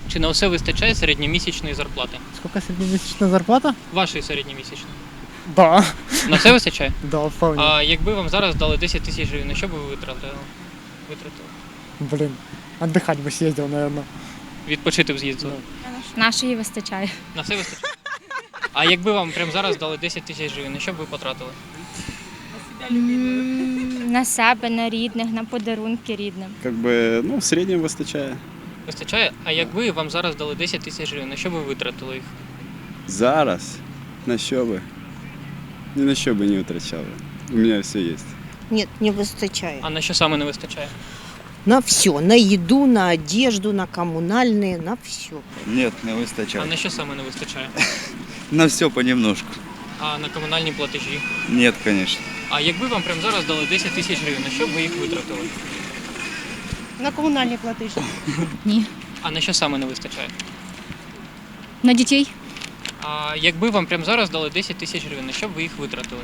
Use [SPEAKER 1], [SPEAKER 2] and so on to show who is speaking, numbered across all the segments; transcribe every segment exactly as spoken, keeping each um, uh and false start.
[SPEAKER 1] Чи на усе вистачає середньомісячної зарплати?
[SPEAKER 2] Сколько среднемесячная зарплата?
[SPEAKER 1] Вашої середньомісячної.
[SPEAKER 2] Да.
[SPEAKER 1] На все вистачає?
[SPEAKER 2] Да, вполне.
[SPEAKER 1] А якби вам зараз дали десять тисяч гривень, на що б ви витратили? Витратили?
[SPEAKER 2] Блин, отдыхать бы съездил, наверное.
[SPEAKER 1] Відпочити б з'їздили?
[SPEAKER 3] Нашої вистачає.
[SPEAKER 1] На все вистачає? А якби вам прямо зараз дали десять тисяч гривень, на що б ви потратили?
[SPEAKER 3] М, На себе, на рідних, на подарунки рідним.
[SPEAKER 4] Как бы, ну, в среднем выстачає.
[SPEAKER 1] Вистачає? А якби вам зараз дали десять тисяч гривень, на що б ви витратили їх?
[SPEAKER 4] Зараз на що би? Ні на що би не витрачали. У мене все є.
[SPEAKER 5] Нет, не выстачает.
[SPEAKER 1] А на що саме не вистачає?
[SPEAKER 5] На все, на еду, на одежду, на коммунальные, на все.
[SPEAKER 6] Нет, не
[SPEAKER 1] А
[SPEAKER 6] вистачає.
[SPEAKER 1] на що саме не вистачає?
[SPEAKER 6] На все понемножку.
[SPEAKER 1] А на комунальні платежі?
[SPEAKER 6] Нет, конечно.
[SPEAKER 1] А якби вам прямо зараз дали десять тисяч гривень, на що б ви їх витратили?
[SPEAKER 5] На коммунальные платежи.
[SPEAKER 3] Ні.
[SPEAKER 1] А на що саме не вистачає?
[SPEAKER 3] На дітей?
[SPEAKER 1] А якби вам прямо зараз дали десять тисяч гривень, на що б ви їх витратили?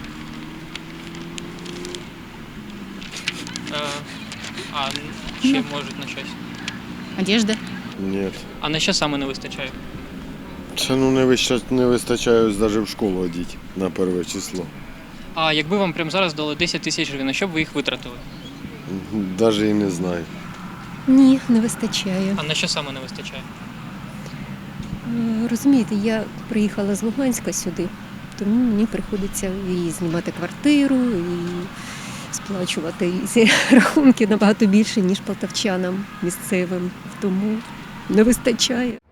[SPEAKER 1] Е, а ще можуть на щось.
[SPEAKER 3] Одежда?
[SPEAKER 7] Ні.
[SPEAKER 1] А на що саме не вистачає?
[SPEAKER 7] Це ну не вистачає, не вистачає навіть в школу одіти на перше число.
[SPEAKER 1] А якби вам прямо зараз дали десять тисяч гривень, на що б ви їх витратили?
[SPEAKER 7] Навіть і не знаю.
[SPEAKER 8] Ні, не вистачає.
[SPEAKER 1] А на що саме не вистачає?
[SPEAKER 8] Е, Розумієте, я приїхала з Луганська сюди, тому мені приходиться і знімати квартиру, і сплачувати ці рахунки набагато більше, ніж полтавчанам місцевим. Тому не вистачає.